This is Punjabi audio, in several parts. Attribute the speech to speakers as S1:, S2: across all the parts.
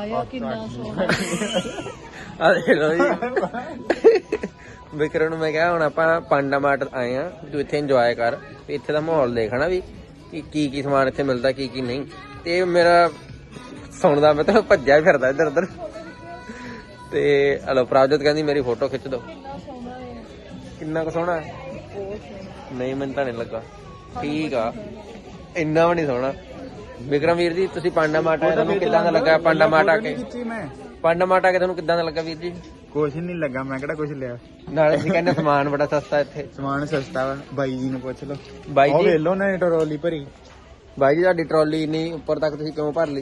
S1: ਆਇਆ ਕਿੰਨਾ ਸੋਹਣਾ
S2: ਆ ਦੇਖ ਲਓ ਜੀ ਵਿਕਰਮ ਨੂੰ ਮੈਂ ਕਿਹਾ ਹੁਣ ਆਪਾਂ ਪਾਂਡਾ ਮਾਰਟ ਆਏ ਆ, ਤੂੰ ਇੱਥੇ ਇੰਜੋਏ ਕਰ, ਇੱਥੇ ਦਾ ਮਾਹੌਲ ਦੇਖਣਾ ਵੀ ਕੀ ਸਮਾਨ ਇੱਥੇ ਮਿਲਦਾ ਕੀ ਨਹੀਂ। ਤੇ ਮੇਰਾ ਸੁਣਦਾ ਮੈਂ ਤਾਂ ਭੱਜਿਆ ਫਿਰਦਾ ਇੱਧਰ ਉੱਧਰ। ਤੇ ਹਲੋ ਪ੍ਰਾਜੋਤ ਕਹਿੰਦੀ ਮੇਰੀ ਫੋਟੋ ਖਿੱਚ ਦੋ। ਕਿੰਨਾ ਕੁ ਸੋਹਣਾ ਨਹੀਂ, ਮੈਨੂੰ ਤਾਂ ਨਹੀਂ ਲੱਗਾ। ਠੀਕ ਆ, ਇੰਨਾ ਵੀ ਨਹੀਂ ਸੋਹਣਾ। ਵਿਕਰਮ ਵੀਰ ਜੀ ਤੁਸੀਂ ਪਾਂਡਾ ਮਾਰਟ ਆਏ, ਤੁਹਾਨੂੰ ਕਿੱਦਾਂ ਦਾ ਲੱਗਾ ਪਾਂਡਾ ਮਾਰਟ ਆ ਕੇ? ਪਾਂਡਾ ਮਾਰਟ ਆ ਕੇ ਤੁਹਾਨੂੰ ਕਿੱਦਾਂ ਦਾ ਲੱਗਾ ਵੀਰ ਜੀ?
S3: ਕੁਛ ਨਹੀਂ ਲੱਗਾ, ਮੈਂ ਕਿਹੜਾ ਕੁਛ ਲਿਆ।
S2: ਨਾਲੇ ਅਸੀਂ ਕਹਿੰਦੇ ਸਮਾਨ ਬੜਾ ਸਸਤਾ ਇੱਥੇ।
S3: ਸਮਾਨ ਸਸਤਾ ਵਾ, ਬਾਈ ਜੀ ਨੂੰ ਪੁੱਛ ਲਓ।
S2: ਬਾਈ ਜੀ
S3: ਵੇਖ ਲਓ ਨਾ ਟਰੋਲੀ ਭਰੀ।
S2: ਬਾਈ ਜੀ ਤੁਹਾਡੀ ਟਰਾਲੀ ਇੰਨੀ ਉੱਪਰ ਤੱਕ ਤੁਸੀਂ ਕਿਉਂ ਭਰ ਲਈ?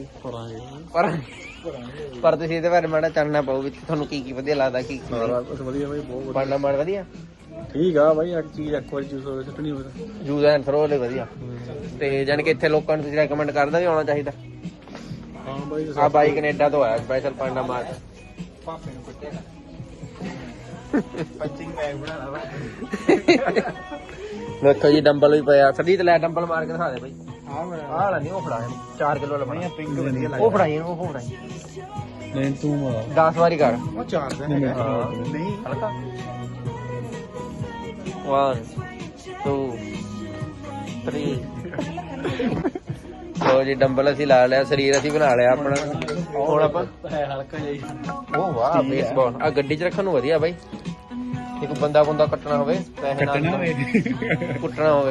S2: ਪਰ ਤੁਸੀਂ ਇਹਦੇ ਬਾਰੇ ਮਾੜਾ ਚਾਨਣਾ ਪਾਓ ਵਿੱਚ ਤੁਹਾਨੂੰ ਕੀ ਵਧੀਆ ਲੱਗਦਾ ਕੀ
S3: ਕੁਛ ਵਧੀਆ ਬਾਈ, ਬਹੁਤ
S2: ਪਾਂਡਾ ਮਾਰਟ ਵਧੀਆ
S3: ਠੀਕ ਆ ਬਾਈ। ਇੱਕ ਚੀਜ਼ ਇੱਕ ਵਾਰੀ ਚੂਜ਼ ਹੋਵੇ ਸੁੱਟਣੀ ਹੋਵੇ
S2: ਯੂਜ਼ ਐਂਡ ਥਰੋ ਲਈ ਵਧੀਆ। ਤੇ ਜਾਨ ਕਿ ਇੱਥੇ ਲੋਕਾਂ ਨੂੰ ਤੁਸੀਂ ਰეკਮੈਂਡ ਕਰਦਾ ਵੀ ਆਉਣਾ ਚਾਹੀਦਾ।
S3: ਹਾਂ ਬਾਈ।
S2: ਆ ਬਾਈ ਕੈਨੇਡਾ ਤੋਂ ਆਇਆ ਸਪੈਸ਼ਲ ਪਾਂਡਾ ਮਾਰਟ।
S3: ਪਾਪੇ ਨੂੰ ਕੁੱਟੇਗਾ ਪੰਚਿੰਗ ਬੈਗ ਬਣਾਣਾ ਵਾ।
S2: ਵੇਖੋ ਜੀ ਡੰਬਲ ਵੀ ਪਿਆ। ਸਦੀਤ ਲੈ ਡੰਬਲ ਮਾਰ ਕੇ ਦਿਖਾ ਦੇ ਬਾਈ।
S3: ਆਹ
S2: ਆਹ ਵਾਲਾ ਨਹੀਂ, ਉਹ ਫੜਾ 4 ਕਿਲੋ ਵਾਲਾ।
S3: ਪਿੰਕ ਵਧੀਆ ਲੱਗਦਾ।
S2: ਉਹ ਫੜਾਈ ਇਹਨੂੰ, ਉਹ ਫੜਾਈ।
S3: ਨਹੀਂ ਤੂੰ
S2: 10 ਵਾਰੀ ਕਰ।
S3: ਉਹ 4 ਦਾ ਹੈਗਾ ਨਹੀਂ
S2: ਹਲਕਾ 1 2 3 ਲੋ ਜੀ ਡੰਬਲ ਅਸੀਂ ਲਾ ਲਿਆ, ਸਰੀਰ ਅਸੀਂ ਬਣਾ ਲਿਆ ਆਪਣਾ। ਹੁਣ ਆਪਾਂ
S3: ਹਲਕਾ ਜਿਹਾ।
S2: ਉਹ ਵਾਹ ਬੇਸਬਾਲ ਆ ਗੱਡੀ 'ਚ ਰੱਖਣ ਨੂੰ ਵਧੀਆ ਬਾਈ। ਇੱਕ ਬੰਦਾ ਕੱਟਣਾ ਹੋਵੇ, ਪੈਸੇ ਨਾਲ ਕੁੱਟਣਾ ਹੋਵੇ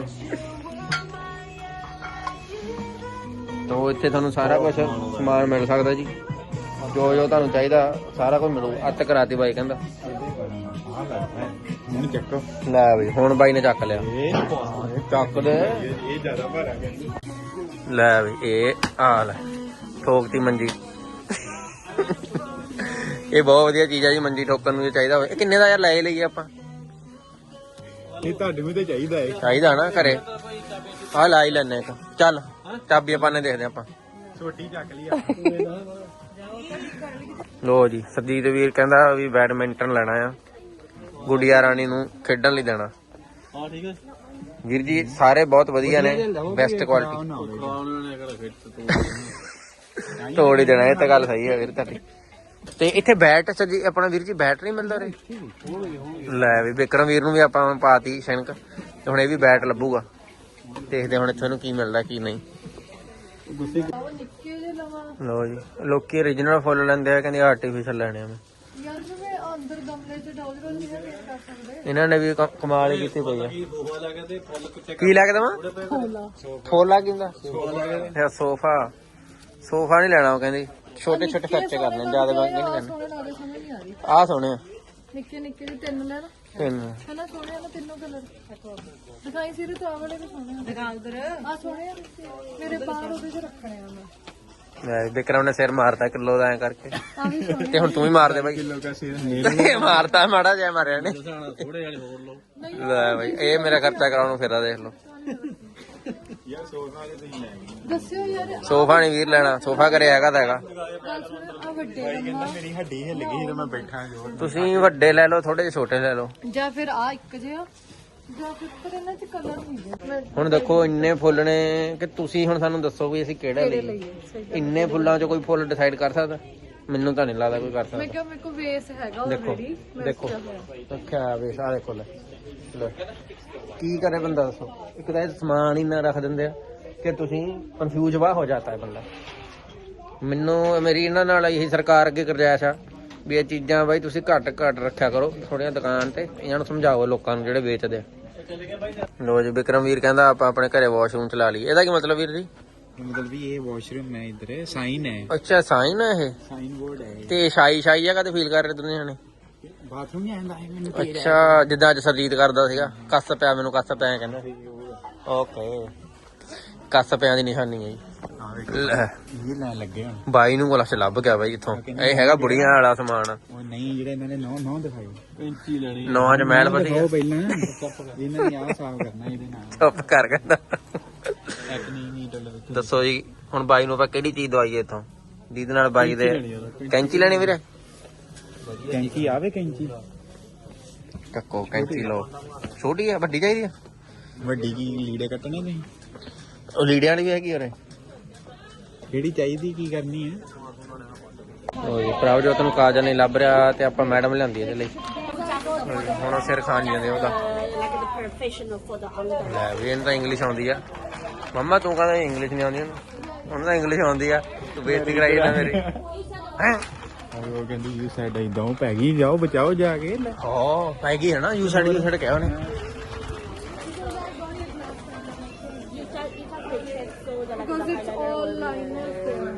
S2: ਤਾਂ ਇੱਥੇ ਤੁਹਾਨੂੰ ਸਾਰਾ ਕੁਝ ਸਮਾਨ ਮਿਲ ਸਕਦਾ ਜੀ। ਜੋ ਤੁਹਾਨੂੰ ਚਾਹੀਦਾ ਸਾਰਾ ਕੁਝ ਮਿਲੂ। ਅੱਤ ਕਰਾਤੀ ਬਾਈ ਕਹਿੰਦਾ।
S3: ਹੁਣ ਚੱਕੋ।
S2: ਲੈ ਬਈ ਹੁਣ ਬਾਈ ਨੇ ਚੱਕ ਲਿਆ। ਚੱਕ ਦੇ।
S3: ਇਹ ਜ਼ਿਆਦਾ ਭਾਰਾ ਗਿਆ।
S2: ਲੈ ਬਈ ਇਹ ਆ ਲੈ ਠੋਕਤੀ ਮੰਜੀ। ਇਹ ਬਹੁਤ ਵਧੀਆ ਚੀਜ਼ ਆ ਜੀ, ਮੰਜੀ ਠੋਕਣ ਨੂੰ ਜੇ ਚਾਹੀਦਾ ਹੋਵੇ। ਇਹ ਕਿੰਨੇ ਦਾ ਯਾਰ ਲੈ ਲਈਏ ਆਪਾਂ?
S3: ਇਹ ਤੁਹਾਡੇ ਨੂੰ ਤੇ ਚਾਹੀਦਾ ਏ।
S2: ਚਾਹੀਦਾ ਨਾ ਘਰੇ। ਆਹ ਲਾ ਹੀ ਲੈਨੇ ਇੱਕ। ਚੱਲ ਚਾਬੀ ਆਪਾਂ ਨੇ ਦੇਖਦੇ ਆਪਾਂ।
S3: ਛੋਟੀ ਚੱਕ ਲਈ।
S2: ਲੋ ਜੀ ਸਰਜੀਤ ਵੀਰ ਕਹਿੰਦਾ ਵੀ ਬੈਡਮਿੰਟਨ ਲੈਣਾ ਆ, ਗੁੜੀਆ ਰਾਣੀ ਨੂੰ ਖੇਡਣ ਲਈ ਦੇਣਾ।
S3: ਹਾਂ ਠੀਕ ਹੈ
S2: ਵੀਰ ਜੀ ਸਾਰੇ ਬਹੁਤ ਵਧੀਆ ਨੇ, ਬੈਸਟ ਕੁਆਲਿਟੀ। ਤੋੜ ਹੀ ਦੇਣਾ, ਇਹ ਤਾਂ ਗੱਲ ਸਹੀ ਹੈ ਵੀਰ ਤੁਹਾਡੀ। ਤੇ ਇੱਥੇ ਬੈਟ ਜੀ ਆਪਣਾ ਵੀਰ ਜੀ ਬੈਟ ਨਹੀਂ ਮਿਲਦਾ ਰੇ? ਲੈ ਵੀ ਵਿਕਰਮ ਵੀਰ ਨੂੰ ਵੀ ਆਪਾਂ ਪਾਤੀ ਸ਼ਨਕ, ਤੇ ਹੁਣ ਇਹ ਵੀ ਬੈਟ ਲੱਭੂਗਾ। ਦੇਖਦੇ ਹੁਣ ਇੱਥੇ ਨੂੰ ਕੀ ਮਿਲਦਾ ਕੀ ਨਹੀਂ। ਲੋ ਜੀ ਲੋਕੀ ਓਰੀਜਨਲ ਫੁੱਲ ਲੈਂਦੇ ਆ, ਕਹਿੰਦੇ ਆਰਟੀਫਿਸ਼ਲ ਲੈਣੇ ਆ। ਇਹਨਾਂ ਨੇ ਵੀ ਕਮਾਲ ਹੀ ਕੀਤੀ ਪਈ ਆ। ਕੀ ਲੈ ਕੇ ਦੇਵਾਂ? ਫੋਲਾ ਕੀ ਹੁੰਦਾ? ਸੋਫਾ ਨਹੀਂ ਲੈਣਾ, ਉਹ ਕਹਿੰਦੀ ਛੋਟੇ ਛੋਟੇ ਖਰਚੇ ਕਰਨੇ, ਜ਼ਿਆਦਾ ਮਹਿੰਗੇ ਨਹੀਂ ਕਰਨੇ। ਆਹ ਸੋਹਣੇ ਆ
S1: ਨਿੱਕੇ ਨਿੱਕੇ ਜਿਹੇ 3 ਲੈ ਲਓ।
S2: 3
S1: ਹਨਾ ਸੋਹਣੇ ਆ ਨਾ ਤਿੰਨੋਂ ਕਲਰ। ਦਿਖਾਈ ਸਿਰੇ ਤੋਂ ਆਹ ਵਾਲੇ ਵੀ ਸੋਹਣੇ ਆ। ਦਿਖਾ ਉਧਰ ਆ ਸੋਹਣੇ ਆ। ਮੇਰੇ ਬਾਹਰ ਉਹਦੇ 'ਚ ਰੱਖਣੇ ਆ ਮੈਂ।
S2: ਵਿਕਰਮ ਨੇ ਸਿਰ ਮਾਰਤਾ ਕਿਲੋ ਦਾ ਐ ਕਰਕੇ।
S1: ਆ ਵੀ ਸੋਹਣੇ।
S2: ਤੇ ਹੁਣ ਤੂੰ ਵੀ ਮਾਰ ਦੇ ਬਾਈ।
S3: ਕਿਲੋ ਦਾ ਸਿਰ
S2: ਮਾਰਤਾ ਮਾੜਾ ਜਿਹਾ ਮਾਰਿਆ ਨੇ।
S3: ਥੋੜੇ ਜਿਹਾ ਹੋਰ ਲਓ
S2: ਲੈ ਬਾਈ ਇਹ ਮੇਰਾ ਖਰਚਾ ਕਰਾਉਣ ਨੂੰ ਫੇਰਾ ਦੇਖ ਲਓ।
S3: ਯਾਰ ਸੋਫਾ ਜੇ ਤੁਸੀਂ ਲੈ ਗਏ।
S1: ਦੱਸਿਓ ਯਾਰ।
S2: ਸੋਫਾ ਨਹੀਂ ਵੀਰ ਲੈਣਾ, ਸੋਫਾ ਘਰੇ ਹੈਗਾ ਤਾਂ ਹੈਗਾ।
S1: ਆ ਵੱਡੇ ਲੰਮਾ
S3: ਮੇਰੀ ਹੱਡੀ ਹਿੱਲ ਗਈ ਜਦੋਂ ਮੈਂ ਬੈਠਾ ਜੋ।
S2: ਤੁਸੀਂ ਵੱਡੇ ਲੈ ਲਓ, ਥੋੜੇ ਜਿਹੇ ਛੋਟੇ ਲੈ ਲਓ।
S1: ਜਾਂ ਫਿਰ ਆ ਇੱਕ ਜਿਹਾ, ਜਾਂ ਫਿਰ ਪਰ ਇਹਨਾਂ 'ਚ ਕਲਰ ਨਹੀਂ ਹੈ।
S2: ਹੁਣ ਦੇਖੋ ਇੰਨੇ ਫੁੱਲ ਨੇ ਕਿ ਤੁਸੀਂ ਹੁਣ ਸਾਨੂੰ ਦੱਸੋ ਵੀ ਅਸੀਂ ਕਿਹੜਾ ਲਈਏ। ਇੰਨੇ ਫੁੱਲਾਂ 'ਚ ਕੋਈ ਫੁੱਲ ਡਿਸਾਈਡ ਕਰ ਸਕਦਾ? ਮੈਨੂੰ ਤਾਂ ਨਹੀਂ ਲੱਗਦਾ ਕੋਈ ਕਰ ਸਕਦਾ।
S1: ਮੈਂ ਕਿਹਾ ਮੇਰੇ ਕੋਲ ਵੇਸ ਹੈਗਾ ਆਲਰੇਡੀ।
S2: ਦੇਖੋ ਰੱਖਿਆ ਵੇਸ ਆ ਦੇਖੋ। ਲੈ ਕੀ ਕਰੇ ਬੰਦਾ ਦੱਸੋ? ਇੱਕ ਤਾਂ ਇਹ ਸਮਾਨ ਹੀ ਨਾ ਰੱਖ ਦਿੰਦੇ ਆ ਕਿ ਤੁਸੀਂ ਕਨਫਿਊਜ਼ ਵਾਹ ਹੋ ਜਾਂਦਾ ਹੈ ਬੰਦਾ। ਮੈਨੂੰ ਮੇਰੀ ਇਹਨਾਂ ਨਾਲ ਇਹੀ ਸਰਕਾਰ ਅੱਗੇ ਗੁਜ਼ਾਰਿਸ਼ ਆ ਵੀ ਇਹ ਚੀਜ਼ਾਂ ਬਾਈ ਤੁਸੀਂ ਘੱਟ ਰੱਖਿਆ ਕਰੋ ਥੋੜੀਆਂ ਦੁਕਾਨ ਤੇ। ਇਹਨਾਂ ਨੂੰ ਸਮਝਾਓ ਲੋਕਾਂ ਨੂੰ ਜਿਹੜੇ ਵੇਚਦੇ ਆ। ਲੋ ਜੀ ਵਿਕਰਮ ਵੀਰ ਕਹਿੰਦਾ ਆਪਾਂ ਆਪਣੇ ਘਰੇ ਵਾਸ਼ਰੂਮ ਚਲਾ ਲਈ। ਇਹਦਾ ਕੀ ਮਤਲਬ ਵੀਰ ਜੀ?
S3: ਮਤਲਬ ਵੀ ਇਹ ਵਾਸ਼ਰੂਮ ਹੈ, ਇਧਰ ਸਾਈਨ ਹੈ।
S2: ਅੱਛਾ ਸਾਈਨ ਹੈ ਇਹ?
S3: ਸਾਈਨ ਬੋਰਡ ਹੈ।
S2: ਤੇ ਸ਼ਾਈ ਜਗ੍ਹਾ ਤੇ ਫੀਲ ਕਰ ਰਹੇ ਦੁਨੀਆ ਨੇ?
S3: ਬਾਥਰੂਮ ਨਹੀਂ ਆਂਦਾ ਹੈ ਮੈਨੂੰ।
S2: ਅੱਛਾ ਜਿੱਦਾਂ ਅੱਜ ਸਰਜੀਤ ਕਰਦਾ ਸੀਗਾ, ਕੱਸ ਪਿਆ ਮੈਨੂੰ, ਕੱਸ ਪਿਆ ਕਹਿੰਦਾ। ਓਕੇ ਕੱਸ ਪਿਆ ਦੀ ਨਿਸ਼ਾਨੀ ਹੈ ਜੀ।
S3: ਇਹ ਲੈਣ ਲੱਗੇ ਹੁਣ
S2: ਬਾਈ ਨੂੰ ਗਲਾਸ ਲੱਭ ਗਿਆ ਬਾਈ ਇੱਥੋਂ। ਇਹ ਹੈਗਾ ਬੁੜੀਆਂ ਵਾਲਾ ਸਮਾਨ।
S3: ਉਹ ਨਹੀਂ ਜਿਹੜੇ ਇਹਨਾਂ ਨੇ ਨੌ ਦਿਖਾਈ ਕੈਂਚੀ ਲੈਣੀ।
S2: ਨੌਂ 'ਚ ਮਹਿਲ ਵਧੀਆ।
S3: ਉਹ ਪਹਿਲਾਂ ਇਹਨਾਂ ਨੇ ਆਹ ਸਾਫ਼ ਕਰਨਾ ਇਹਦੇ ਨਾਲ।
S2: ਚੁੱਪ ਕਰ ਕਹਿੰਦਾ।
S3: ਇੱਕ ਨਹੀਂ ਡੱਲ
S2: ਦੱਸੋ ਜੀ ਹੁਣ ਬਾਈ ਨੂੰ ਆਪਾਂ ਕਿਹੜੀ ਚੀਜ਼ ਦਵਾਈਏ ਇੱਥੋਂ ਜਿਹਦੇ ਨਾਲ ਬਾਈ ਦੇ ਕੈਂਚੀ ਲੈਣੀ ਵੀਰੇ?
S3: ਕੈਂਚੀ ਆਵੇ ਕੈਂਚੀ
S2: ਟੱਕੋ ਕੈਂਚੀ ਲਓ। ਛੋਟੀ ਆ ਵੱਡੀ ਚਾਹੀਦੀ ਆ?
S3: ਵੱਡੀ ਕੀ ਲੀੜੇ ਕੱਟਣੇ ਨਹੀਂ?
S2: ਉਹ ਲੀੜਿਆਂ ਵਾਲੀ ਵੀ ਹੈਗੀ ਉਰੇ।
S3: ਕਿਹੜੀ ਚਾਹੀਦੀ ਕੀ ਕਰਨੀ ਹੈ?
S2: ਲੋ ਜੀ ਪ੍ਰਭਜੋਤ ਨੂੰ ਕਾਜਲ ਨਹੀਂ ਲੱਭ ਰਿਹਾ ਤੇ ਆਪਾਂ ਮੈਡਮ ਲਿਆਂਦੀ ਇਹਦੇ ਲਈ। ਹੁਣ ਉਹ ਸਿਰ ਖਾਣ ਜਾਂਦੇ ਉਹਦਾ। ਲੈ ਵੀ ਇਹਨੂੰ ਤਾਂ ਇੰਗਲਿਸ਼ ਆਉਂਦੀ ਆ। ਮੰਮਾ ਤੂੰ ਕਹਿੰਦਾ ਇੰਗਲਿਸ਼ ਨਹੀਂ ਆਉਂਦੀ ਉਹਨੂੰ ਤਾਂ ਇੰਗਲਿਸ਼ ਆਉਂਦੀ ਆ। ਤੂੰ ਬੇਇੱਜ਼ਤੀ ਕਰਾਈ ਨਾ ਮੇਰੀ ਹੈ।
S3: ਉਹ ਕਹਿੰਦੀ ਯੂ ਸਾਈਡ ਇਦਾਂ ਪੈ ਗਈ, ਜਾਓ ਬਚਾਓ ਜਾ ਕੇ।
S2: ਹਾਂ ਪੈ ਗਈ ਹੈ ਨਾ, ਯੂ ਸਾਈਡ ਕਿਹਾ ਉਹਨੇ।
S1: Because it's all liners there.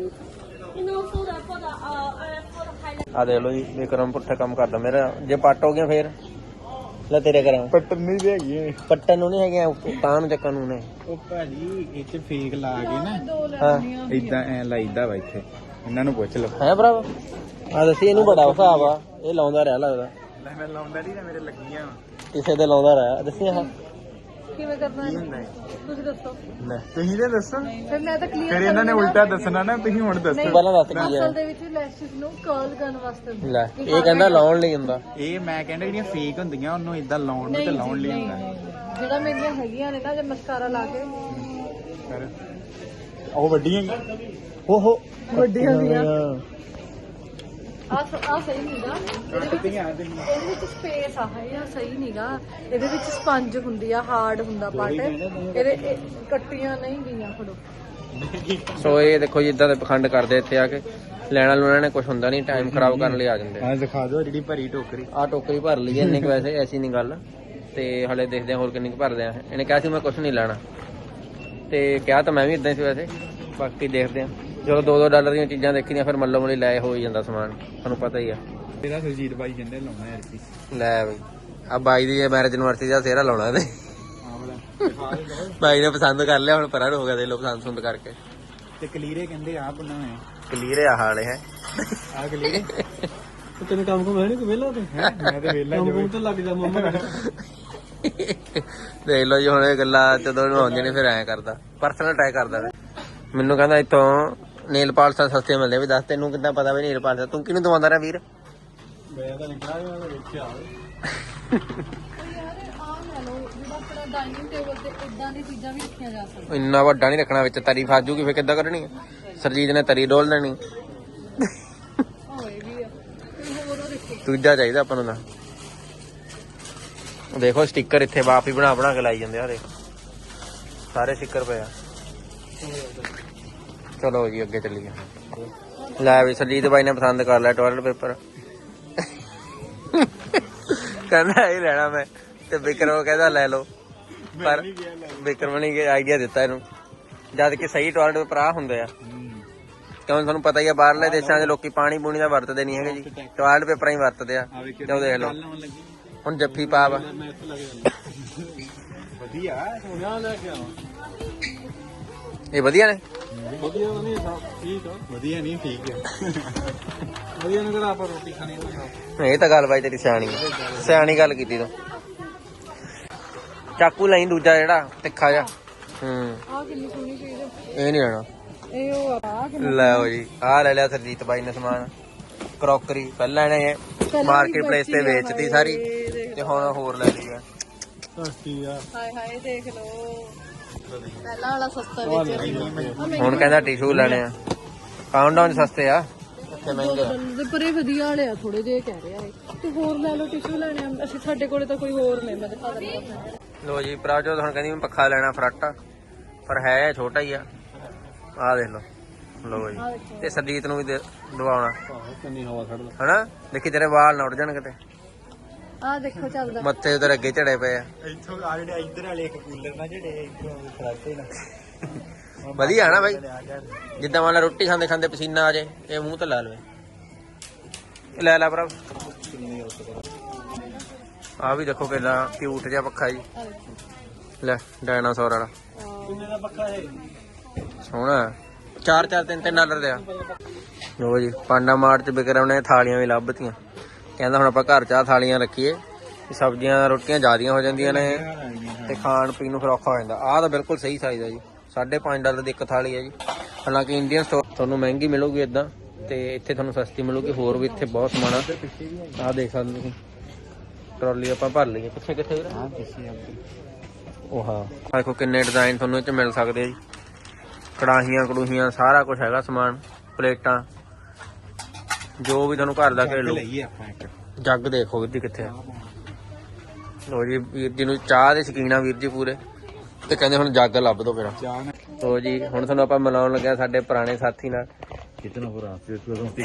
S2: ਆ ਦੇਖ ਲੋ ਜੀ ਵਿਕਰਮ ਪੁੱਠਾ ਕੰਮ ਕਰਦਾ ਮੇਰਾ। ਜੇ ਪੱਟ ਹੋ ਗਿਆ ਫੇਰ ਲੈ ਤੇਰੇ ਕਰਾਂ
S3: ਪੱਟਣ ਨਹੀਂ ਦੇ ਹੈਗੀ।
S2: ਪੱਟਣ ਨੂੰ ਨਹੀਂ ਹੈਗੇ ਤਾਂ ਨੂੰ ਚੱਕਣ ਨੂੰ ਨੇ।
S3: ਉਹ ਭਾਜੀ ਇਹ ਚ ਫੇਕ ਲਾ ਕੇ ਨਾ
S2: ਹਾਂ
S3: ਇਦਾਂ ਐ ਲਾਈਦਾ ਵਾ ਇੱਥੇ। ਇਹਨਾਂ ਨੂੰ ਪੁੱਛ ਲਓ
S2: ਹੈ ਭਰਾ। ਆ ਦੱਸੀ ਇਹਨੂੰ ਬੜਾ ਹਿਸਾਬ ਆ, ਇਹ ਲਾਉਂਦਾ ਰਿਹਾ ਲੱਗਦਾ।
S3: ਲੈ ਮੈਂ ਲਾਉਂਦਾ ਨਹੀਂ ਨਾ, ਮੇਰੇ ਲੱਗੀਆਂ
S2: ਕਿਸੇ ਦੇ ਲਾਉਂਦਾ ਰਿਹਾ। ਦੱਸੀ ਆਹ
S1: ਕਿਵੇਂ ਕਰਨਾ ਹੈ ਤੁਸੀਂ ਦੱਸੋ।
S2: ਲੈ
S3: ਤੁਸੀਂ ਤੇ ਦੱਸੋ।
S1: ਫਿਰ ਮੈਂ ਤਾਂ ਕਲੀਅਰ
S3: ਫਿਰ ਇਹਨਾਂ ਨੇ ਉਲਟਾ ਦੱਸਣਾ ਨਾ, ਤੁਸੀਂ ਹੁਣ ਦੱਸੋ।
S2: ਤੂੰ ਪਹਿਲਾਂ ਦੱਸ ਕੀ ਹੈ।
S1: ਅਸਲ ਦੇ ਵਿੱਚ ਲੈਸ਼ਸ ਨੂੰ ਕਰਲ ਕਰਨ ਵਾਸਤੇ ਹੁੰਦਾ।
S2: ਲੈ ਇਹ ਕਹਿੰਦਾ ਲਾਉਣ ਲਈ ਹੁੰਦਾ।
S3: ਇਹ ਮੈਂ ਕਹਿੰਦਾ ਜਿਹੜੀਆਂ ਫੇਕ ਹੁੰਦੀਆਂ ਉਹਨੂੰ ਇਦਾਂ ਲਾਉਣ ਨੂੰ ਤੇ ਲਾਉਣ ਲਈ ਹੁੰਦਾ।
S1: ਜਿਹੜਾ ਮੇਰੀਆਂ ਹੈਗੀਆਂ ਨੇ ਨਾ, ਜੇ ਮਸਕਾਰਾ ਲਾ ਕੇ
S3: ਕਰ ਉਹ ਵੱਡੀਆਂ
S2: ਓਹੋ
S1: ਵੱਡੀਆਂ ਹੁੰਦੀਆਂ। ਆ ਸਹੀ ਨੀਗਾ, ਇਹਦੇ ਵਿੱਚ ਸਪੇਸ ਆ, ਇਹ ਸਹੀ ਨੀਗਾ। ਇਹਦੇ ਵਿੱਚ ਸਪੰਜ ਹੁੰਦੀ ਆ, ਹਾਰਡ ਹੁੰਦਾ ਪਾਰਟ। ਇਹਦੇ ਕੱਟੀਆਂ ਨਹੀਂ ਗਈਆਂ। ਫੜੋ।
S2: ਸੋ ਇਹ ਦੇਖੋ ਜੀ ਇਦਾਂ ਦੇ ਪਖੰਡ ਕਰਦੇ ਇੱਥੇ ਆ ਕੇ। ਲੈਣਾ ਲੂਣਾ ਨੇ ਕੁਝ ਹੁੰਦਾ ਨਹੀਂ, ਟਾਈਮ ਖਰਾਬ ਕਰਨ ਲਈ ਆ ਜਾਂਦੇ।
S3: ਆ ਦਿਖਾ ਦਿਓ ਜਿਹੜੀ ਭਰੀ ਟੋਕਰੀ।
S2: ਆ ਟੋਕਰੀ ਭਰ ਲਈ ਹੈ ਇੰਨੇ ਕੁ, ਵੈਸੇ ਐਸੀ ਨਹੀਂ ਗੱਲ। ਤੇ ਹਲੇ ਦੇਖਦੇ ਆ ਹੋਰ ਕਿੰਨੀ ਕੁ ਭਰਦੇ ਆ। ਇਹਨੇ ਕਿਹਾ ਸੀ ਮੈਂ ਕੁਝ ਨਹੀਂ ਲੈਣਾ ਤੇ ਕਿਹਾ ਤਾਂ ਮੈਂ ਵੀ ਇਦਾਂ ਸੀ ਵੈਸੇ। ਬਾਕੀ ਦੇਖਦੇ ਆ। ਜਦੋਂ $2 ਦੀਆਂ ਚੀਜ਼ਾਂ ਦੇਖੀਆਂ ਫਿਰ ਮੱਲੋ ਮੱਲੀ ਲੈ ਹੋ ਹੀ ਜਾਂਦਾ ਸਮਾਨ, ਤੁਹਾਨੂੰ ਪਤਾ ਹੀ ਆ।
S3: ਇਹਦਾ ਸੁਰਜੀਤ ਬਾਈ ਕਹਿੰਦੇ ਲਾਉਣਾ ਯਾਰ ਕੀ।
S2: ਲੈ ਬਈ ਆ ਬਾਈ ਦੀ ਮੈਰਿਜ ਯੂਨੀਵਰਸਿਟੀ ਦਾ ਸਿਹਰਾ ਲਾਉਣਾ ਇਹਦੇ। ਬਾਈ ਨੇ ਪਸੰਦ ਕਰ ਲਿਆ, ਹੁਣ ਪਰਾਂ ਹੋ ਗਿਆ ਦੇ ਲੋ ਪਸੰਦ ਸੁੰਦ ਕਰਕੇ।
S3: ਤੇ ਕਲੀਰੇ ਕਹਿੰਦੇ ਆ ਬਣਾ ਹੋਇਆ।
S2: ਕਲੀਅਰ ਆ ਹਾਲੇ ਹੈ
S3: ਆ ਕਲੀਰੇ
S4: ਤੈਨੂੰ ਕੰਮ ਕੋ ਮੈਂ ਨਹੀਂ ਵਿਹਲਾ ਤੇ
S3: ਮੈਂ ਤੇ ਵੇਲਾ
S4: ਕੰਮ ਤੇ ਲੱਗ ਜਾ ਮੰਮਾ।
S2: ਦੇਖ ਲਓ ਜੀ ਹੁਣ ਇਹ ਗੱਲਾਂ ਜਦੋਂ ਨੂੰ ਆਉਂਦੀਆਂ ਨੇ ਫਿਰ ਐਂ ਕਰਦਾ, ਪਰਸਨਲ ਅਟੈਕ ਕਰਦਾ। ਮੈਨੂੰ ਕਹਿੰਦਾ ਇੱਥੋਂ ਨੇਲ ਪਾਲਸਾਂ ਸਸਤੀਆਂ ਮਿਲਦੀਆਂ। ਵੀ ਦੱਸ ਤੈਨੂੰ ਕਿੱਦਾਂ ਪਤਾ ਵੀ ਨੇਲ ਪਾਲਸਾਂ ਤੂੰ ਕਿਹਨੂੰ ਦਵਾਉਂਦਾ ਰਿਹਾ ਵੀਰ?
S4: ਮੈਂ ਤਾਂ ਨਿਕਲਿਆ ਮੈਂ ਵੇਖਿਆ।
S1: ਯਾਰ ਆ ਲੈ ਲਓ, ਜਿਹੜਾ ਆਪਣਾ ਡਾਈਨਿੰਗ ਟੇਬਲ ਤੇ ਇਦਾਂ ਦੀ ਚੀਜ਼ਾਂ ਵੀ ਰੱਖੀਆਂ ਜਾ ਸਕਦੀਆਂ।
S2: ਇੰਨਾ ਵੱਡਾ ਨਹੀਂ ਰੱਖਣਾ, ਵਿੱਚ ਤਰੀ ਫਸ ਜੂਗੀ ਫਿਰ ਕਿੱਦਾਂ ਕਰਨੀ? ਸਰਜੀਤ ਨੇ ਤਰੀ ਡੋਲ ਦੇਣੀ।
S1: ਹੋਏ ਵੀ ਆ। ਤੇ ਹੋਰ ਉਹ ਦੇਖੋ,
S2: ਦੂਜਾ ਚਾਹੀਦਾ ਆਪਾਂ ਨੂੰ ਤਾਂ। ਦੇਖੋ ਸਟicker ਇੱਥੇ ਬਾਪ ਹੀ ਬਣਾ ਕੇ ਲਾਈ ਜਾਂਦੇ ਆ। ਦੇਖ ਸਾਰੇ ਸਟicker ਪਏ ਆ। ਚਲੋ ਜੀ ਅੱਗੇ ਚੱਲੀਏ। ਲੈ ਵੀ ਸਰਜੀਤ ਬਾਈ ਨੇ ਪਸੰਦ ਕਰ ਲਿਆ ਟਾਇਲਟ ਪੇਪਰ। ਕਹਿੰਦਾ ਇਹ ਲੈਣਾ ਮੈਂ ਤੇ ਵਿਕਰਮ ਕਹਿੰਦਾ ਲੈ ਲਓ। ਪਰ ਵਿਕਰਮ ਨੇ ਆਈਡੀਆ ਦਿੱਤਾ ਇਹਨੂੰ, ਜਦ ਕਿ ਸਹੀ ਟਾਇਲਟ ਪੇਪਰ ਆ ਹੁੰਦੇ ਆ। ਕਿਉਂ ਤੁਹਾਨੂੰ ਪਤਾ ਹੀ ਆ ਬਾਹਰਲੇ ਦੇਸ਼ਾਂ ਦੇ ਲੋਕੀ ਪਾਣੀ ਪੂਣੀ ਦਾ ਵਰਤਦੇ ਨਹੀਂ ਹੈਗੇ ਜੀ, ਟਾਇਲਟ ਪੇਪਰਾਂ ਹੀ ਵਰਤਦੇ ਆ। ਚਲੋ ਦੇਖ ਲਓ ਹੁਣ ਜੱਫੀ ਪਾ ਵਾ।
S3: ਵਧੀਆ
S4: ਸੋਹਣਾ ਲੈ ਕੇ ਆਵਾਂ।
S2: ਇਹ ਵਧੀਆ ਨੇ।
S4: ਵਧੀਆ ਨਹੀਂ ਠੀਕ ਆ।
S3: ਵਧੀਆ ਨਹੀਂ ਠੀਕ ਹੈ।
S4: ਵਧੀਆ ਨੇ ਕਿਹੜਾ ਆਪਾਂ ਰੋਟੀ ਖਾਣੀ ਆ।
S2: ਇਹ ਤਾਂ ਗੱਲ ਬਾਈ ਤੇਰੀ ਸਿਆਣੀ ਸਿਆਣੀ ਗੱਲ ਕੀਤੀ ਤੂੰ। ਚਾਕੂ ਲਈ ਦੂਜਾ ਜਿਹੜਾ ਤਿੱਖਾ ਜਿਹਾ।
S1: ਆ ਕਿੰਨੀ ਸੋਹਣੀ ਚੀਜ਼ ਹੈ।
S2: ਇਹ ਨਹੀਂ ਲੈਣਾ।
S1: ਇਹ ਉਹ ਆ
S2: ਲਓ ਜੀ ਆਹ ਲੈ ਲਿਆ ਸਰਜੀਤ ਬਾਈ ਨੇ ਸਮਾਨ। ਕਰੋਕਰੀ ਪਹਿਲਾਂ ਇਹਨੇ ਮਾਰਕੀਟ ਪਲੇਸ ਤੇ ਵੇਚਤੀ ਸਾਰੀ ਤੇ ਹੁਣ ਹੋਰ ਲੈ ਲਈ ਆ।
S4: ਸਸਤੀ ਆ।
S1: ਹਾਏ ਹਾਏ ਦੇਖ ਲਓ, ਪਹਿਲਾਂ ਵਾਲਾ ਸਸਤਾ ਵੇਚਿਆ।
S2: ਹੁਣ ਕਹਿੰਦਾ ਟਿਸ਼ੂ ਲੈਣੇ ਆ। ਕਾਊਂਟਡਾਊਨ ਸਸਤੇ ਆ, ਇੱਥੇ ਮਹਿੰਗੇ ਆ।
S1: ਦੇ ਪਰੇ ਵਧੀਆ ਵਾਲੇ ਆ ਥੋੜੇ ਜਿਹੇ ਕਹਿ ਰਿਹਾ ਹੈ। ਤੇ ਹੋਰ ਲੈ ਲਓ, ਟਿਸ਼ੂ ਲੈਣੇ ਆ। ਅਸੀਂ ਸਾਡੇ ਕੋਲੇ ਤਾਂ ਕੋਈ ਹੋਰ ਨਹੀਂ, ਮੈਂ ਦਿਖਾ ਦਿੰਦਾ।
S2: ਲੋ ਜੀ ਪ੍ਰਭਜੋਤ ਹੁਣ ਕਹਿੰਦੀ ਮੈਂ ਪੱਖਾ ਲੈਣਾ ਫਰਾਟਾ, ਪਰ ਹੈ ਛੋਟਾ ਹੀ ਆ। ਆਹ ਦੇਖ ਲਓ। ਲੋ ਜੀ ਤੇ ਸਰਜੀਤ ਨੂੰ ਵੀ ਦਵਾਉਣਾ
S4: ਕਿੰਨੀ ਹਵਾ ਛੱਡਦਾ।
S2: ਹਨਾ। ਦੇਖੀ ਤੇਰੇ ਵਾਲ ਨਾ ਉੱਡ ਜਾਣ ਕਿਤੇ।
S1: ਆ ਦੇਖੋ ਚੱਲਦਾ।
S2: ਮੱਥੇ ਉਧਰ ਅੱਗੇ ਝੜੇ ਪਏ ਆ।
S3: ਇੱਥੋਂ ਆ ਜਿਹੜੇ ਇੱਧਰ ਵਾਲੇ ਇੱਕ ਕੂਲਰ ਨਾ ਜਿਹੜੇ ਇੱਧਰੋਂ ਫਰਾਟੇ ਨਾ
S2: ਵਧੀਆ ਨਾ ਬਾਈ, ਜਿੱਦਾਂ ਮੰਨ ਲਾ ਰੋਟੀ ਖਾਂਦੇ ਖਾਂਦੇ ਪਸੀਨਾ ਆ ਜੇ ਇਹ ਮੂੰਹ ਤੇ ਲਾ ਲਵੇ। ਇਹ ਲੈ ਭਰਾ। ਆ ਵੀ ਦੇਖੋ ਕਿੰਨਾ ਕਿਊਟ ਜਿਹਾ ਪੱਖਾ ਜੀ। ਲੈ ਡਾਇਨਾਸੌਰ ਵਾਲਾ
S4: ਕਿੰਨੇ ਦਾ ਪੱਖਾ ਹੈ?
S2: ਸੋਹਣਾ। 3 ਡਾਲਰ ਦੇ ਆ। ਲੋ ਜੀ ਪਾਂਡਾ ਮਾਰਟ ਚ ਵਿਕਰਮ ਨੇ ਥਾਲੀਆਂ ਵੀ ਲੱਭਤੀਆਂ। ਕਹਿੰਦਾ ਹੁਣ ਆਪਾਂ ਘਰ 'ਚ ਆ ਥਾਲੀਆਂ ਰੱਖੀਏ, ਸਬਜ਼ੀਆਂ ਰੋਟੀਆਂ ਜ਼ਿਆਦੀਆਂ ਹੋ ਜਾਂਦੀਆਂ ਨੇ ਤੇ ਖਾਣ ਪੀਣ ਨੂੰ ਫਿਰ ਔਖਾ ਹੋ ਜਾਂਦਾ। ਆਹ ਤਾਂ ਬਿਲਕੁਲ ਸਹੀ ਸਾਈਜ਼ ਆ ਜੀ। $5.5 ਦੀ ਇੱਕ ਥਾਲੀ ਹੈ ਜੀ। ਹਾਲਾਂਕਿ ਇੰਡੀਅਨ ਸਟੋਰ ਤੁਹਾਨੂੰ ਮਹਿੰਗੀ ਮਿਲੂਗੀ ਇਦਾਂ, ਤੇ ਇੱਥੇ ਤੁਹਾਨੂੰ ਸਸਤੀ ਮਿਲੂਗੀ। ਹੋਰ ਵੀ ਇੱਥੇ ਬਹੁਤ ਸਮਾਨ ਆ। ਆਹ ਦੇਖ ਸਕਦੇ ਤੁਸੀਂ ਟਰਾਲੀ ਆਪਾਂ ਭਰ ਲਈਏ। ਪਿੱਛੇ ਕਿੱਥੇ ਵੀਰ? ਉਹ ਹਾਂ ਦੇਖੋ ਕਿੰਨੇ ਡਿਜ਼ਾਈਨ ਤੁਹਾਨੂੰ ਇਹ 'ਚ ਮਿਲ ਸਕਦੇ ਆ ਜੀ। ਕੜਾਹੀਆਂ ਕੜੂਹੀਆਂ ਸਾਰਾ ਕੁਝ ਹੈਗਾ ਸਮਾਨ। ਪਲੇਟਾਂ ਜੋ ਵੀ ਤੁਹਾਨੂੰ ਘਰ ਦਾ ਘਰੇਲੂ
S3: ਲਈਏ ਆਪਾਂ ਇੱਕ
S2: ਜੱਗ ਦੇਖੋ ਵੀਰ ਜੀ ਕਿੱਥੇ ਆ। ਲੋ ਜੀ ਵੀਰ ਜੀ ਨੂੰ ਚਾਹ ਦੇ ਸ਼ੌਕੀਨ ਆ ਵੀਰ ਜੀ ਪੂਰੇ, ਤੇ ਕਹਿੰਦੇ ਹੁਣ ਜੱਗ ਲੱਭ ਦੋ ਮੇਰਾ।
S3: ਚਾਹ ਨਾ
S2: ਲੋ ਜੀ ਹੁਣ ਤੁਹਾਨੂੰ ਆਪਾਂ ਮਿਲਾਉਣ ਲੱਗਿਆ ਸਾਡੇ ਪੁਰਾਣੇ ਸਾਥੀ ਨਾਲ।
S3: कितना हो रहा है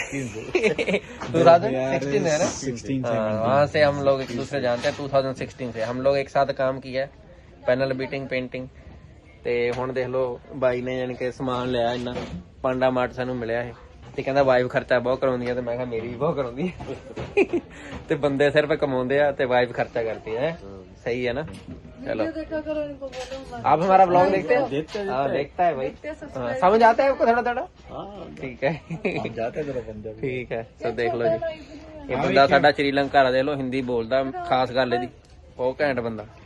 S2: 2016 है ना?
S3: 16
S2: हाँ, वहाँ से हम लोग एक दूसरे जानते हैं। 2016 से हम लोग एक साथ काम किया है, पैनल बीटिंग पेंटिंग। ਤੇ ਹੁਣ ਦੇਖ ਲਓ ਬਾਈ ਨੇ ਯਾਨੀ ਕਿ ਸਮਾਨ ਲਿਆ ਇੰਨਾ ਪਾਂਡਾ ਮਾਰਟ ਸਾਨੂੰ ਮਿਲਿਆ ਇਹ, ਤੇ ਕਹਿੰਦਾ ਵਾਈਫ ਖਰਚਾ ਬਹੁਤ ਕਰਾਉਂਦੀ ਆ, ਤੇ ਮੈਂ ਕਿਹਾ ਮੇਰੀ ਵੀ ਬਹੁਤ ਕਰਾਉਂਦੀ ਹੈ। ਤੇ ਬੰਦੇ ਸਿਰਫ ਕਮਾਉਂਦੇ ਆ ਤੇ ਵਾਈਫ ਖਰਚਾ करती है। सही है ना? चलो
S1: देखा करो इनको, बोलो मत।
S2: आप हमारा ब्लॉग देखते हैं?
S3: देखते
S2: हाँ देखता है भाई।
S1: देखते हैं,
S2: हाँ,
S1: subscribe
S2: समझ आता है आपको थोड़ा थोड़ा?
S3: हाँ
S2: ठीक है
S3: जाते हैं जरा पंजाबी
S2: ਠੀਕ ਹੈ। ਸੋ ਦੇਖ ਲਓ ਜੀ, ਇਹ ਬੰਦਾ ਸਾਡਾ ਸ਼੍ਰੀਲੰਕਾ ਦਾ, ਦੇਖ ਲਓ ਹਿੰਦੀ ਬੋਲਦਾ, ਖਾਸ ਗੱਲ ਇਹਦੀ, ਬਹੁਤ ਘੈਂਟ ਬੰਦਾ।